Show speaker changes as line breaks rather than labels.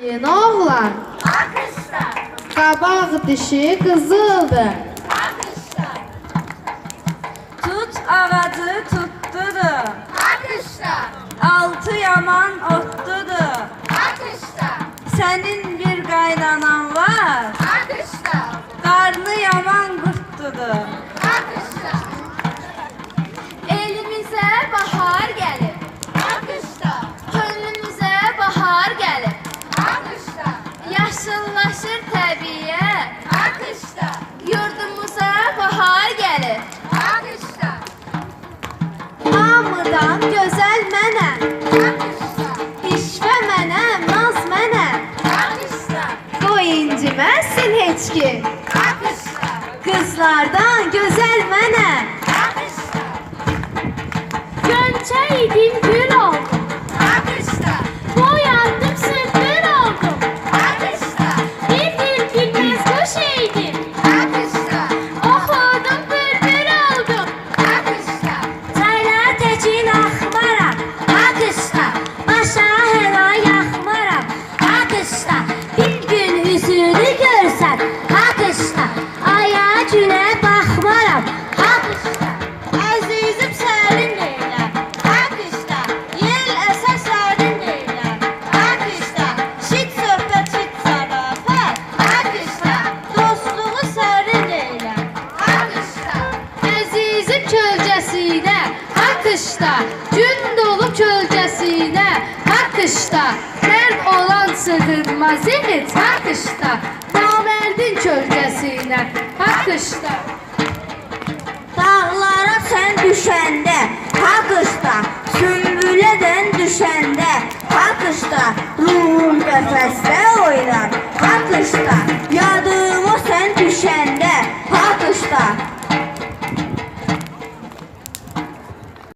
Yeni oğlan.
Akışta.
Qabaq dişi qızıldı.
Akışta.
Tut ağacı tuttudu.
Akışta.
Altı yaman ottudu.
Akışta.
Senin bir qaynanan var.
Akışta.
Qarnı yaman qurttudu.
Akışta. Elimize bahar gelip. Akışta. Gönlümüze bahar gelip. Akışta. Yaşıllaşır təbiət. Akışta. Yurdumuza bahar gelip. Akışta.
Hamıdan gözəl mənəm.
Akışta.
İşvə mənəm, naz mənəm.
Akışta.
Qoy inciməsin heç kim.
Akışta.
Qızlardan gözəl mənəm.
Akışta.
Gönçe idim gül oldum.
Akışta.
Boyandım sümbül oldum.
Akışta.
Bir bilmez kuş idim.
Akışta.
Okudum bülbül oldum.
Akışta.
Çaylar tekin axmaram. Akışta. Başa helal yaxmaram. Akışta. Bir gün yüzünü görsən. Akışta. Aya günə baxmaram. Akışta.
Əzizim sərin deyiləm.
Akışta.
Yel əsər sərin deyiləm.
Akışta.
Şit söhbət, şit zarafət.
Akışta.
Dostluğu sərin deyiləm.
Akışta.
Əzizim kölgəsində, Haqqışda, gün dolub kölgəsində, Haqqışda, mərd olan sığınmaz yiğit, Haqqışda, namərdin kölgəsində, Haqqışda.
Dağlara sen düşende, Haqqışda, sümbülədən düşende, Haqqışda, ruhum qəfəsdə,